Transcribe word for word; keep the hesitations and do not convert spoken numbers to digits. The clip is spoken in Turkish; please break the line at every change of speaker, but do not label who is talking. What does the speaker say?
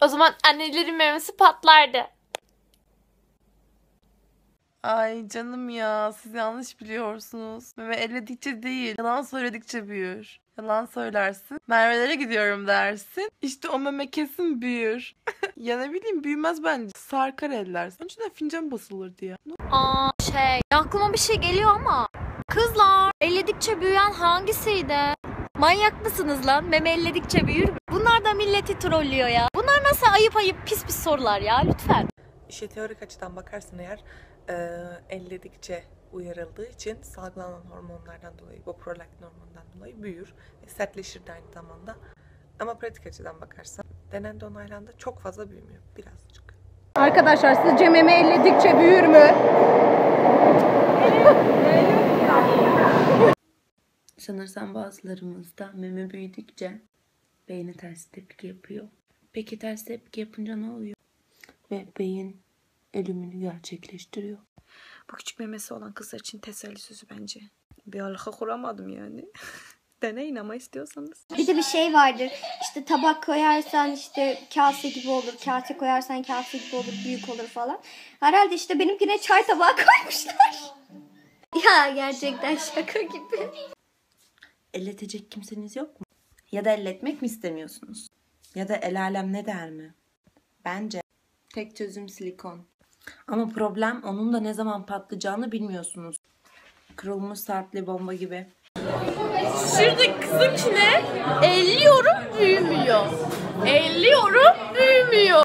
O zaman annelerin memesi patlardı.
Ay canım ya, siz yanlış biliyorsunuz. Meme elledikçe değil, yalan söyledikçe büyür. Yalan söylersin, Merve'lere gidiyorum dersin. İşte o meme kesin büyür. Ya ne bileyim, büyümez bence. Sarkar eller. Önceden fincan basılırdı ya.
Aa şey, aklıma bir şey geliyor ama. Kızlar, elledikçe büyüyen hangisiydi? Manyak mısınız lan? Meme elledikçe büyür mü? Bunlar da milleti trollüyor ya. Bunlar nasıl ayıp ayıp pis pis sorular ya, lütfen.
İşe teorik açıdan bakarsın eğer, e, elledikçe uyarıldığı için salgılanan hormonlardan dolayı, bu prolaktin hormonundan dolayı büyür ve sertleşir de aynı zamanda. Ama pratik açıdan bakarsan denendi, onaylandı, çok fazla büyümüyor, birazcık.
Arkadaşlar sizce meme elledikçe büyür mü?
Sanırsam bazılarımızda meme büyüdükçe beyni ters tepki yapıyor. Peki ters tepki yapınca ne oluyor? Ve beyin ölümünü gerçekleştiriyor.
Bu küçük memesi olan kızlar için teselli sözü bence. Bir alaka kuramadım yani. Deneyin ama istiyorsanız.
Bir de bir şey vardır. İşte tabak koyarsan işte kase gibi olur. Kase koyarsan kase gibi olur. Büyük olur falan. Herhalde işte benimkine çay tabağı koymuşlar. Ya gerçekten şaka gibi.
Elletecek kimseniz yok mu? Ya da elletmek mi istemiyorsunuz? Ya da el alem ne der mi? Bence tek çözüm silikon. Ama problem onun da ne zaman patlayacağını bilmiyorsunuz. Kırılmış saatli bomba gibi.
Şuradaki kızınkine elliyorum büyümüyor. Elliyorum büyümüyor.